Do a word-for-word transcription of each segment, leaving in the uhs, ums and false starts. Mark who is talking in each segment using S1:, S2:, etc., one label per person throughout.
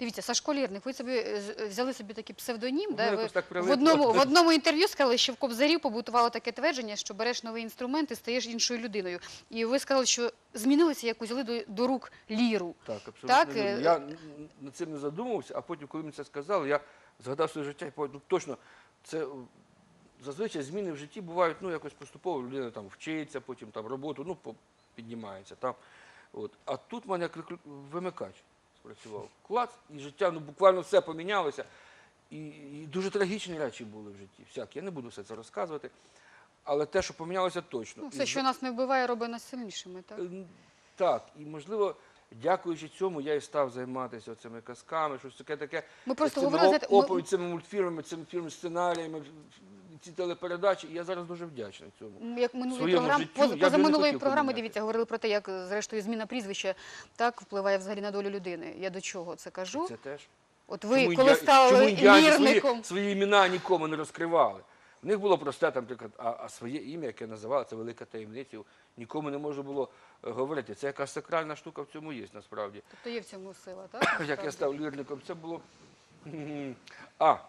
S1: Дивіться, Сашко Лірник, ви собі взяли собі такий псевдонім,
S2: Ну,
S1: да?
S2: якось
S1: Ви
S2: так
S1: в
S2: прилипло.
S1: одному, в одному інтерв'ю сказали, що в Кобзарі побутувало таке твердження, що береш новий інструмент і стаєш іншою людиною. І ви сказали, що змінилися, як узяли до, до рук ліру.
S2: Так, абсолютно
S1: Так,
S2: вірно.
S1: е,
S2: Я над цим не задумувався, а потім, коли мені це сказали, я згадав своє життя і подумав, ну, точно, це зазвичай зміни в житті бувають, ну, якось поступово, людина там вчиться, потім там роботу, ну, по- піднімається там. От. А тут в мене як виклю- вимикач спрацював. Клац, і життя, ну, буквально все помінялося. І, і дуже трагічні речі були в житті. Всякі. Я не буду все це розказувати. Але те, що помінялося, точно.
S1: Ну,
S2: І
S1: все, що нас не вбиває, робить нас сильнішими, так?
S2: Е, Так, і можливо, дякуючи цьому, я і став займатися цими казками, щось таке таке.
S1: Ми просто
S2: цими
S1: говорили, знаєте, ми-
S2: оповідь, цими мультфільмами, цими фільмами, сценаріями, ці телепередачі. І я зараз дуже вдячний цьому.
S1: М, Як минулої
S2: своєму
S1: програми,
S2: життю
S1: поза,
S2: я б не
S1: позаминулої
S2: хотів
S1: програми,
S2: поміняти.
S1: дивіться, говорили про те, як, зрештою, зміна прізвища так впливає взагалі на долю людини. Я до чого це кажу?
S2: Це теж.
S1: От ви,
S2: Чому
S1: коли
S2: я-
S1: стали
S2: чому індіанці
S1: лірником,
S2: свої, свої імена нікому не розкривали? В них було просте, там, наприклад, а, а своє ім'я, яке називали, це велика таємниця, нікому не можна було е, говорити. Це якась сакральна штука в цьому є, насправді.
S1: тобто є в цьому сила, так?
S2: Як
S1: насправді?
S2: я став лірником, це було. А, е,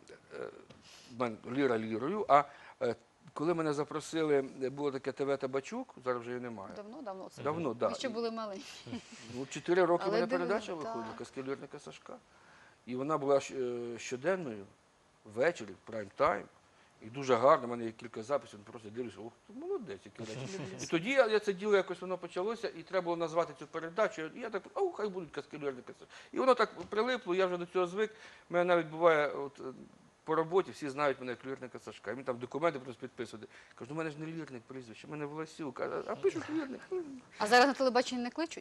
S2: в мене ліра лірою, а е, коли мене запросили, було таке ТВ Табачук, зараз вже її немає.
S1: Давно, давно це.
S2: Давно,
S1: Ви
S2: так.
S1: ще були маленькі.
S2: Ну, чотири роки в
S1: Але
S2: мене
S1: дивно,
S2: передача
S1: так.
S2: виходила, казки лірника Сашка. І вона була щ- е, щоденною, ввечері, в прайм-тайм. І дуже гарно, в мене є кілька записів, просто дивлюся, ох, ти молодець, які речі. І тоді я, я це діло якось воно почалося, і треба було назвати цю передачу. І я так, ау, хай будуть казки лірника Сашка. І воно так прилипло, я вже до цього звик. У мене навіть буває, от, е, по роботі всі знають мене як лірника Сашка. І мені там документи просто підписувати. Кажу, у мене ж не лірник прізвище, у мене Власюк, а, а пишуть лірник.
S1: А зараз на телебаченні не кличуть?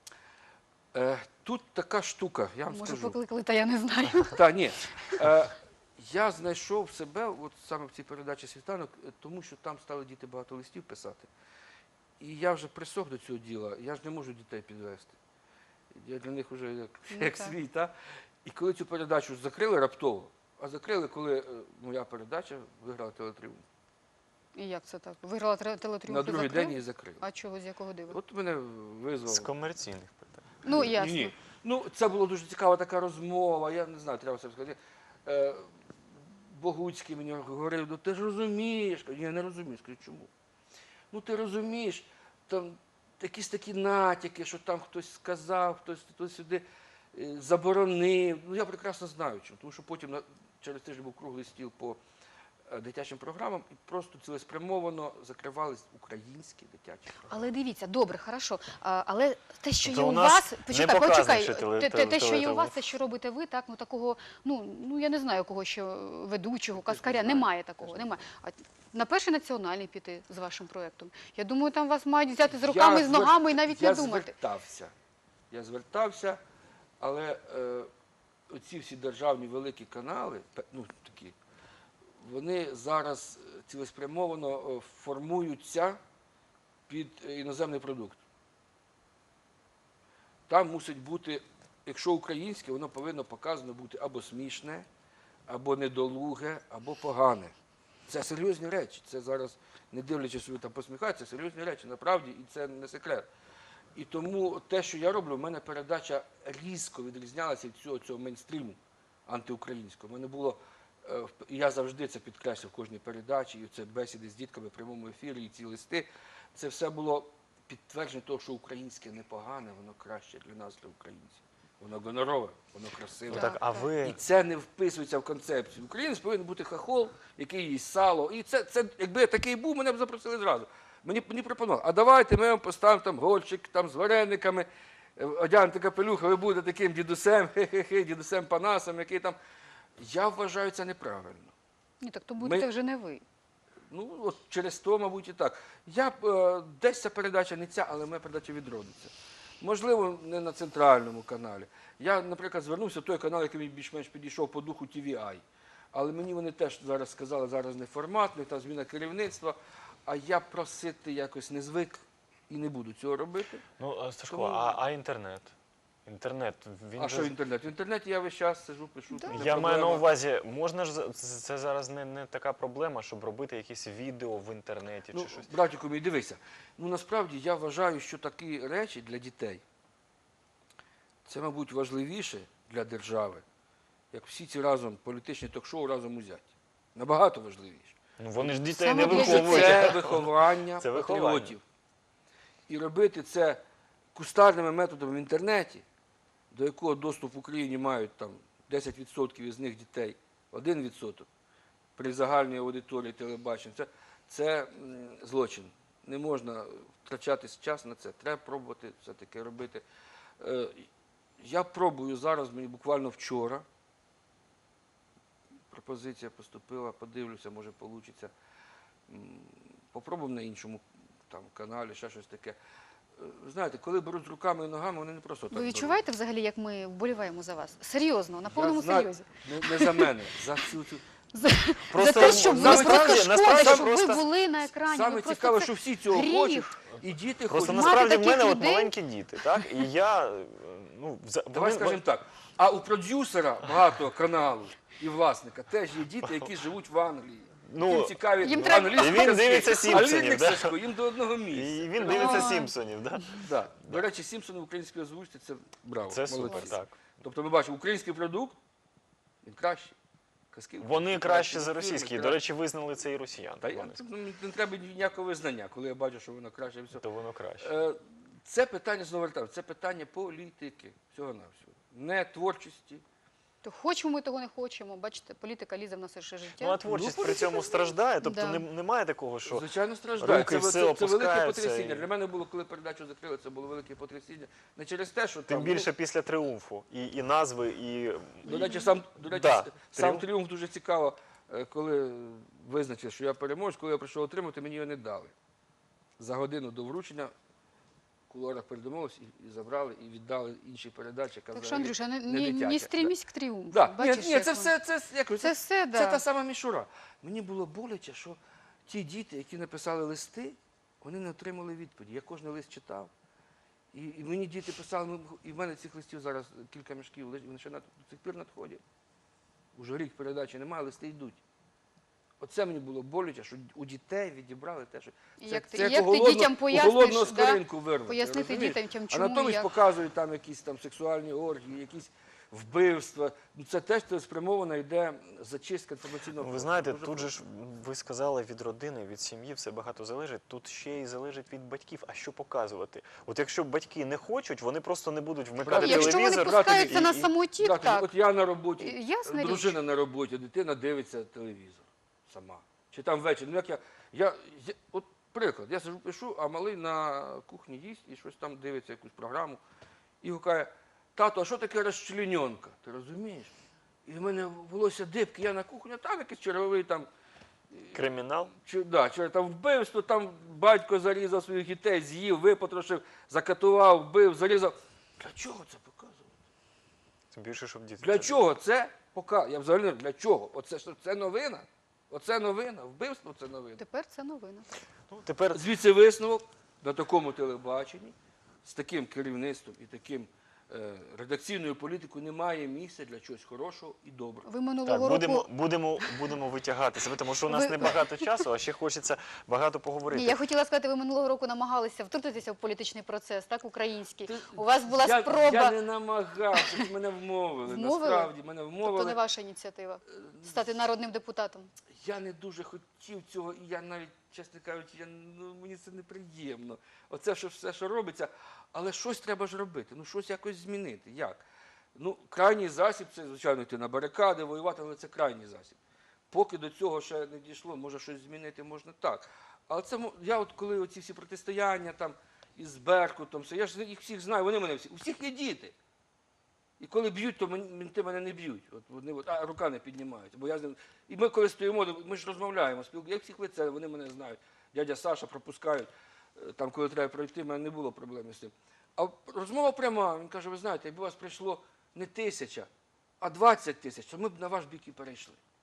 S2: Е, тут така штука, я вам
S1: Може,
S2: скажу.
S1: покликали, та я не знаю.
S2: Та ні. Е, я знайшов себе от саме в цій передачі «Світанок», е, тому що там стали діти багато листів писати. І я вже присох до цього діла, я ж не можу дітей підвести. Я для них вже як,
S1: Ну,
S2: як
S1: так.
S2: свій. Та? І коли цю передачу закрили раптово, а закрили, коли е, моя передача виграла телетріумф.
S1: І як це так? Виграла тре- телетріумф
S2: На
S1: і
S2: другий
S1: закрили?
S2: день її закрили.
S1: А чого, з якого дива?
S2: От мене визвали.
S3: З комерційних питань.
S1: Ну, ясно.
S2: Ні. Ну, це була дуже цікава така розмова, я не знаю, треба це сказати. Е, Богуцький мені говорив, ну ти ж розумієш. Кажу, я не розумію. Скажу, чому? Ну ти розумієш, там якісь такі натяки, що там хтось сказав, хтось, хтось сюди е, заборонив. Ну я прекрасно знаю чому, тому що потім на, через тиждень був круглий стіл по е, дитячим програмам і просто цілеспрямовано закривались українські дитячі програми.
S1: Але дивіться, добре, хорошо. А, але те, що
S3: Тобто
S1: є
S3: у
S1: у
S3: нас
S1: вас,
S3: не
S1: почекай,
S3: показано,
S1: почекай,
S3: що теле-
S1: те, те, те, що є у
S3: теле-
S1: вас, те, що робите ви, так, ну такого, ну, ну я не знаю, кого ще ведучого, каскаря,
S2: знаю,
S1: немає
S2: я
S1: такого,
S2: теж не
S1: немає. А на перший національний піти з вашим проєктом. Я думаю, там вас мають взяти з руками,
S2: Я
S1: з
S2: звер-
S1: ногами і навіть
S2: я
S1: не думати.
S2: звертався. Я звертався, але е, оці всі державні великі канали, пе- ну такі, вони зараз е, цілеспрямовано е, формуються під е, іноземний продукт. Там мусить бути, якщо українське, воно повинно показано бути або смішне, або недолуге, або погане. Це серйозні речі. Це зараз, не дивлячись, що ви там посміхаєтеся, це серйозні речі, насправді, і це не секрет. І тому те, що я роблю, в мене передача різко відрізнялася від цього, цього мейнстріму антиукраїнського. У мене було, е, в- і я завжди це підкреслив в кожній передачі, і це бесіди з дітками в прямому ефірі, і ці листи. Це все було підтвердження того, що українське непогане, воно краще для нас, для українців. Воно гонорове, воно красиве.
S3: Ну, так, а
S2: І
S3: ви
S2: це не вписується в концепцію. Українець повинен бути хахол, який їсть сало. І це, це якби я такий був, мене б запросили зразу. Мені, мені пропонували, а давайте ми вам поставимо там гольчик там, з варениками, е, одягнете капелюха, ви будете таким дідусем, хе-хе-хе, дідусем Панасом, який там. Я вважаю це неправильно.
S1: Ні, так то будете
S2: Ми-
S1: вже не ви.
S2: Ну, от через то, мабуть, і так. Я б, е, десь ця передача не ця, але моя передача відродиться. Можливо, не на центральному каналі. Я, наприклад, звернувся в той канал, який мені більш-менш підійшов по духу Ті Ві Ай. Але мені вони теж зараз сказали, зараз не формат, не та зміна керівництва, а я просити якось не звик і не буду цього робити.
S3: ну а, Сашко,
S2: Тому-
S3: а, а інтернет? Інтернет він
S2: А
S3: же-
S2: що в інтернеті? В інтернеті я весь час сижу, пишу.
S1: Да.
S2: це
S3: Я маю на
S2: проблема.
S3: увазі, можна ж за- це, це зараз не, не така проблема, щоб робити якісь відео в інтернеті
S2: Ну,
S3: чи щось.
S2: братику мій, дивися. Ну, насправді, я вважаю, що такі речі для дітей, це, мабуть, важливіше для держави, як всі ці разом політичні ток-шоу разом узяті. Набагато важливіше.
S3: Ну, вони ж дітей
S1: Саме
S3: не
S1: для
S3: виховують.
S2: Це виховання
S3: Це виховання.
S2: патріотів. І робити це кустарними методами в інтернеті, до якого доступ в Україні мають там десять відсотків із них дітей, один відсоток при загальній аудиторії телебачення, це, це м, злочин. Не можна втрачати час на це. Треба пробувати все-таки робити. Е, Я пробую зараз, мені буквально вчора, пропозиція поступила, подивлюся, може вийде. Попробуємо на іншому там, каналі, ще щось таке. Е, Знаєте, коли беруть руками і ногами, вони не просто так
S1: Ви відчуваєте взагалі, як ми вболіваємо за вас? Серйозно, на
S2: беруть.
S1: повному
S2: Я знаю,
S1: серйозі.
S2: Не, не за мене, за цю цю.
S1: За,
S3: Просто
S1: за те, щоб ви
S3: насправді-
S1: просто шкода,
S3: насправді
S1: щоб
S3: просто-
S1: ви були на екрані.
S2: Саме
S1: ви просто
S2: цікаве,
S1: це
S2: що всі цього
S1: гріх.
S2: хочуть, і діти
S3: Просто
S2: хочуть.
S1: Мати
S3: насправді в
S1: таких
S3: мене от
S1: людей-
S3: маленькі діти, так? І я, е, ну, вза-
S2: Давай
S3: вони-
S2: скажемо так. А у продюсера багатого каналу і власника теж є діти, які живуть в Англії.
S3: Ну,
S2: Їм цікаві
S1: їм треба-
S2: англійські
S3: І він
S2: казки,
S3: дивиться
S2: а
S3: «Сімпсонів»,
S2: Лірик
S3: да?
S2: Сашко їм до одного місця.
S3: І він дивиться
S1: Ой.
S3: Сімпсонів, так?
S2: Да. До речі, Сімпсони в українській озвучці – це браво.
S3: Це супер,
S2: молодці.
S3: так.
S2: Тобто ми бачимо, український продукт, він кращий. Казки
S3: Вони
S2: українські
S3: краще за
S2: мультфільми
S3: російські. До
S2: краще.
S3: речі, визнали це і росіян.
S2: Та я,
S3: Вони-
S2: ну, мені не треба ніякого визнання, коли я бачу, що воно краще. і все.
S3: То воно краще.
S2: Е, Це питання, знову вертаю, це питання політики, всього-навсього. Не творчості.
S1: То хочемо ми того не хочемо. Бачите, політика лізе в наше життя.
S3: Ну, а творчість
S2: Ну,
S3: при цьому страждає, тобто
S1: Да.
S3: не- немає такого, що
S2: Звичайно, страждає.
S3: руки
S2: Це,
S3: все
S2: це, це велике
S3: опускаються
S2: потрясіння.
S3: і-
S2: Для мене було, коли передачу закрили, це було велике потрясіння. Не через те, що
S3: тим
S2: там,
S3: більше після тріумфу. І, і назви, і...
S2: ну, до речі, сам, до речі,
S3: Да,
S2: сам
S3: тріумф.
S2: тріумф дуже цікаво, е, коли визначив, що я переможу, коли я прийшов отримати, мені його не дали. За годину до вручення в кулуарах передумовились і, і забрали, і віддали інші передачі. яка
S1: Так що,
S2: взагалі
S1: Андрюша, не,
S2: не
S1: не,
S2: дитяча.
S1: не стрімісь к тріумфу.
S2: Да. Ні,
S1: Бачиш,
S2: ні,
S1: як
S2: це
S1: воно.
S2: все, це, як,
S1: Це
S2: це,
S1: все, да.
S2: це та сама мішура. Мені було боляче, що ті діти, які написали листи, вони не отримали відповіді. Я кожен лист читав. І, і мені діти писали, ми- і в мене цих листів зараз кілька мішків, лежить, вони ще над- до цих пір надходять. Уже рік передачі немає, листи йдуть. Оце мені було боляче, що у дітей відібрали те, що
S1: І
S2: це,
S1: як ти-
S2: це
S1: і як
S2: у
S1: ти
S2: голодну-
S1: дітям
S2: у
S1: поясниш,
S2: голодного
S1: да,
S2: скоринку вирвати.
S1: пояснити
S2: розумієш?
S1: дітям, чим,
S2: А
S1: чому,
S2: натомість
S1: як.
S2: показують там якісь там сексуальні оргії, якісь вбивства. Ну, це теж цілеспрямовано йде зачистка інформаційного.
S3: Ви
S2: простору.
S3: знаєте,
S2: Дуже
S3: тут же ж ви сказали від родини, від сім'ї все багато залежить. Тут ще й залежить від батьків. А що показувати? От якщо батьки не хочуть, вони просто не будуть вмикати
S2: Правда,
S1: Якщо вони
S3: телевізор.
S2: брати
S1: пускаються
S2: і-
S1: на
S2: і-
S1: самоті,
S2: Да,
S1: так.
S2: От я на роботі,
S1: Е, ясна річ.
S2: дружина на роботі, дитина дивиться телевізор сама. Чи там ввечері. Ну, як я, я, я, от приклад, я сижу, пишу, а малий на кухні їсть і щось там дивиться, якусь програму. І гукає, тато, а що таке розчленьонка? Ти розумієш? І в мене волосся дибки, я на кухні, а там якийсь черговий там,
S3: Кримінал.
S2: чи, да, чи там вбивство, там батько зарізав своїх дітей, з'їв, випотрошив, закатував, вбив, зарізав. Для чого це показувати?
S3: Тим більше, щоб діти.
S2: Для
S3: це-
S2: чого це показувати? Я взагалі не знаю, для чого? Оце що це новина? Оце новина, вбивство це новина.
S1: Тепер це новина.
S3: Ну, тепер
S2: Звідси висновок на такому телебаченні, з таким керівництвом і таким е, редакційною політикою немає місця для чогось хорошого і доброго.
S1: Ви минулого
S3: так, будемо,
S1: року...
S3: будемо, будемо витягати себе, тому що у нас
S1: Ви-
S3: небагато часу, а ще хочеться багато поговорити.
S1: Ні, я хотіла сказати, ви минулого року намагалися втрутитися в політичний процес, так, український.
S2: Ти-
S1: У вас була
S2: я,
S1: спроба,
S2: Я не намагався, мене вмовили.
S1: Вмовили?
S2: Насправді, мене
S1: тобто
S2: вмовили.
S1: не ваша ініціатива, стати народним депутатом.
S2: Я не дуже хотів цього, і я навіть, чесно кажучи, я, ну, мені це неприємно. Оце що, все, що робиться. Але щось треба ж робити, ну щось якось змінити. Як? Ну, крайній засіб це, звичайно, йти на барикади, воювати, але це крайній засіб. Поки до цього ще не дійшло, може щось змінити можна так. Але це мо- я от коли оці всі протистояння там із Беркутом, все, я ж їх всіх знаю, вони мене всі. У всіх є діти. І коли б'ють, то мені- менти мене не б'ють. От вони от, а рука не піднімають. Бо я з ним. І ми коли стоїмо, ми ж розмовляємо, спілкуємося. Я всіх лице, вони мене знають. Дядя Саша пропускають. Е, Там, коли треба пройти, в мене не було проблеми з цим. А розмова пряма. Він каже, ви знаєте, якби у вас прийшло не тисяча, а двадцять тисяч, то ми б на ваш бік і перейшли.